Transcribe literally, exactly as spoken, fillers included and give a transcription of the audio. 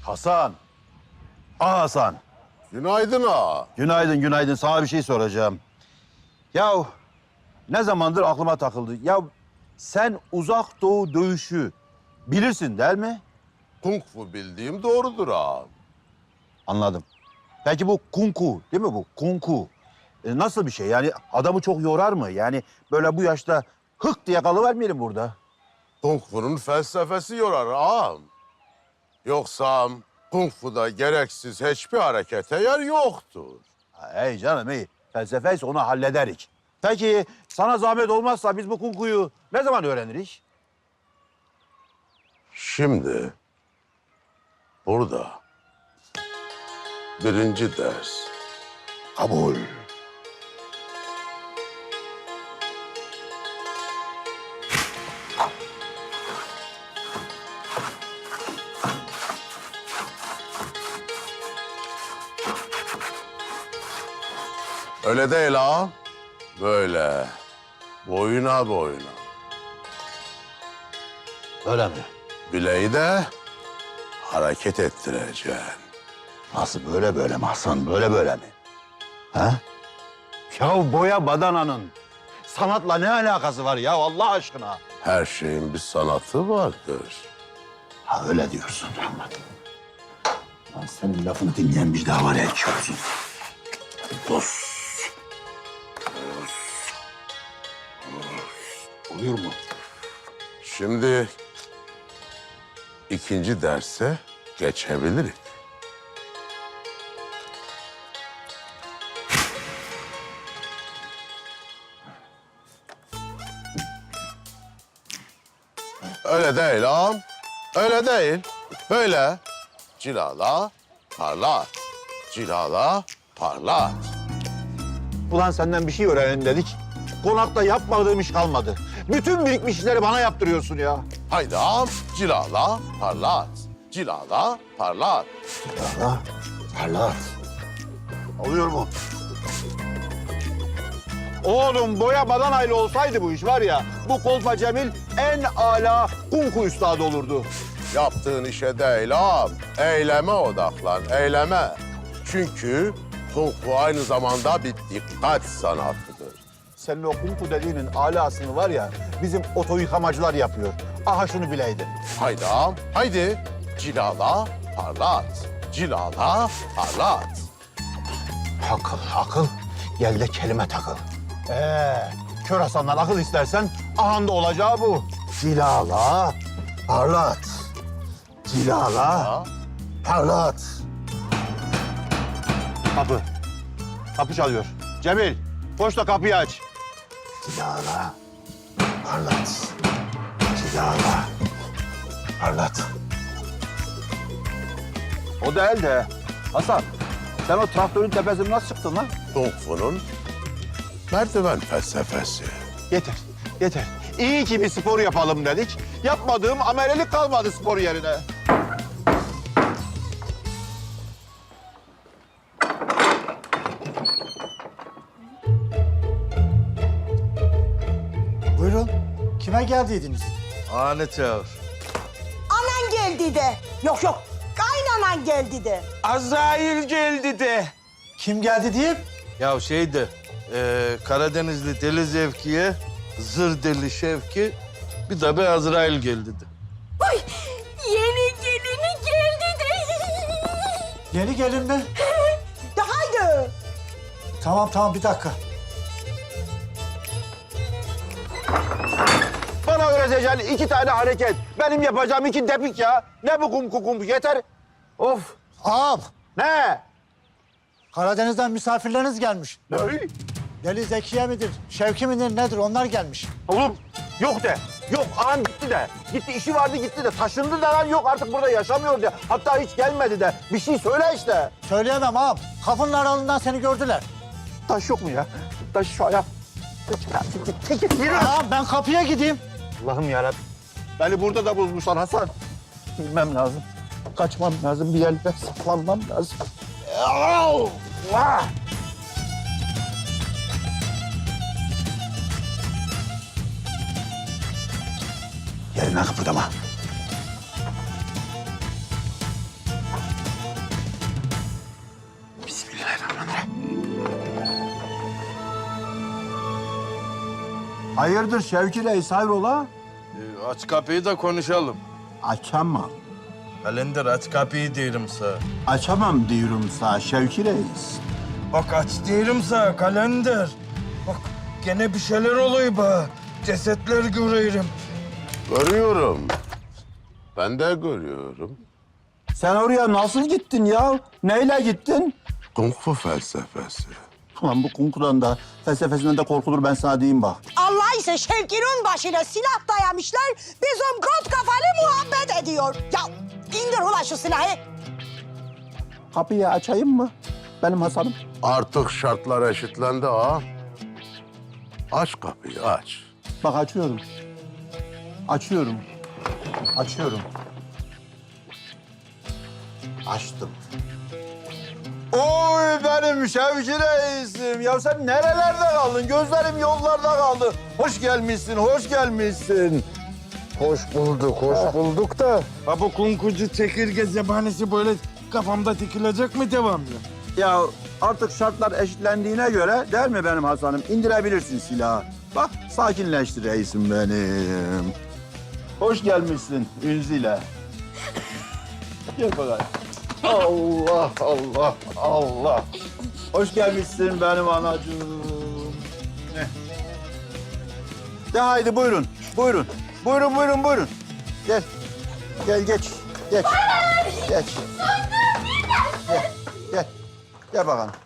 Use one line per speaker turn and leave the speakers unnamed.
Hasan. Aa Hasan.
Günaydın ağa.
Günaydın, günaydın. Sana bir şey soracağım. Ya ne zamandır aklıma takıldı. Ya sen uzak doğu dövüşü bilirsin değil mi?
Kung fu bildiğim doğrudur ağa.
Anladım. Peki bu kung fu değil mi bu? Kung fu. E, nasıl bir şey? Yani adamı çok yorar mı? Yani böyle bu yaşta hık diye kalıvermeyelim burada.
Kung fu'nun felsefesi yorar ağam. Yoksa kung fu'da gereksiz hiçbir harekete yer yoktur.
Ha, Hey canım iyi. Felsefeyse onu hallederik. Peki sana zahmet olmazsa biz bu kung fu'yu ne zaman öğreniriz?
Şimdi burada birinci ders.
Kabul.
Öyle değil ağam. Böyle boyuna boyuna.
Öyle mi?
Bileği de hareket ettireceksin.
Nasıl böyle böyle mi Hasan? Böyle böyle mi? Ha? Ya boya badananın sanatla ne alakası var ya Allah aşkına?
Her şeyin bir sanatı vardır.
Ha öyle diyorsun. Anladım. Lan senin lafını dinleyen bir daha var ya iki olsun. Dost. Oluyor mu?
Şimdi ikinci derse geçebiliriz. Öyle değil ağam. Öyle değil. Böyle cilala, parlat. Cilala, parlat.
Ulan senden bir şey öğrenelim dedik. Konakta yapmadığım iş kalmadı. Bütün birikmiş işleri bana yaptırıyorsun ya.
Haydi ağam, cilala, parlat. Cilala, parlat.
Allah, parlat. Oluyor mu? Oğlum boya badanayla olsaydı bu iş var ya, bu Kolpa Cemil en ala kung fu üstadı olurdu.
Yaptığın işe değil ağam, eyleme odaklan, eyleme. Çünkü kung fu aynı zamanda bir dikkat sanatıdır.
Senin o kung fu dediğinin alasını var ya, bizim oto yıkamacılar yapıyor. Aha şunu bileydin.
Haydi ağam, haydi. Cilala, parlat. Cilala, parlat.
Akıl, akıl. Gel de kelime takıl. Ee, kör Hasan'dan akıl istersen ahanda olacağı bu. Cilala, parlat. Cilala,
Ha?
parlat. Kapı. Kapı çalıyor. Cemil, koş da kapıyı aç. Cilala, parlat. Cilala, parlat. O değil de Hasan, sen o traktörün tepesine nasıl çıktın lan?
Kung fu'nun merdiven felsefesi.
Yeter, yeter. İyi ki bir spor yapalım dedik. Yapmadığım amelelik kalmadı spor yerine.
Buyurun. Kime geldiydiniz?
Anne çağır.
Anan geldi de. Yok yok. Kaynanan geldi de.
Azrail geldi de.
Kim geldi diyeyim?
Ya şeydi, e, Karadenizli Deli Zevki'ye Zır Deli Şevki, bir de bir Azrail geldi de.
Ay yeni gelini geldi de.
Yeni gelin mi?
De haydi.
Tamam tamam bir dakika.
Bana öğreteceğin iki tane hareket. Benim yapacağım iki depik ya. Ne bu kum kum kum yeter. Of.
Ağam,
Ne?
Karadeniz'den misafirleriniz gelmiş.
Ne?
Deli Zekiye midir, Şevki midir nedir onlar gelmiş.
Oğlum yok de. Yok ağam gitti de. Gitti işi vardı gitti de. Taşındı da lan yok artık burada yaşamıyor de. Hatta hiç gelmedi de. Bir şey söyle işte.
Söyleyemem ağam. Kapının aralığından seni gördüler.
Taş yok mu ya? Taş şu ayak. Yürü.
Ağam ben kapıya gideyim.
Allah'ım yarabbim. Beni burada da bulmuşlar Hasan. Bilmem lazım. Kaçmam lazım. Bir yerde saklanmam lazım. Allah! Yerine kıpırdama. Hayırdır Şevki Reis, hayrola?
Ee, aç kapıyı da konuşalım.
Açamam.
Kalender aç kapıyı diyorum sana.
Açamam diyorum sana Şevki Reis.
Bak aç diyorum sana kalender. Bak gene bir şeyler oluyor be. Cesetler görüyorum.
Görüyorum. Ben de görüyorum.
Sen oraya nasıl gittin ya? Neyle gittin?
Kung fu felsefesi.
Ulan bu kunkudan da felsefesinden de korkulur, ben sana diyeyim bak.
Allah ise Şevki'nin başına silah dayamışlar. Bizim kot kafalı muhabbet ediyor. Ya indir ulan şu silahı.
Kapıyı açayım mı benim Hasan'ım?
Artık şartlar eşitlendi ha. Aç kapıyı aç.
Bak açıyorum. Açıyorum. Açıyorum. Açtım. Oy benim Şevki Reis'im. Ya sen nerelerde kaldın? Gözlerim yollarda kaldı. Hoş gelmişsin, hoş gelmişsin.
Hoş bulduk, hoş bulduk da. Ha bu kunkucu çekirge zebanesi böyle kafamda dikilecek mi devamlı?
Ya artık şartlar eşitlendiğine göre değil mi benim Hasan'ım? İndirebilirsin silahı. Bak sakinleşti reisim benim. Hoş gelmişsin Ünzile. Gel bakalım. Allah Allah Allah. Hoş gelmişsin benim anacığım. Ne? De haydi buyurun. Buyurun. Buyurun buyurun buyurun. Gel. Gel geç. Geç. Geç. Gel. Gel. Gel bakalım.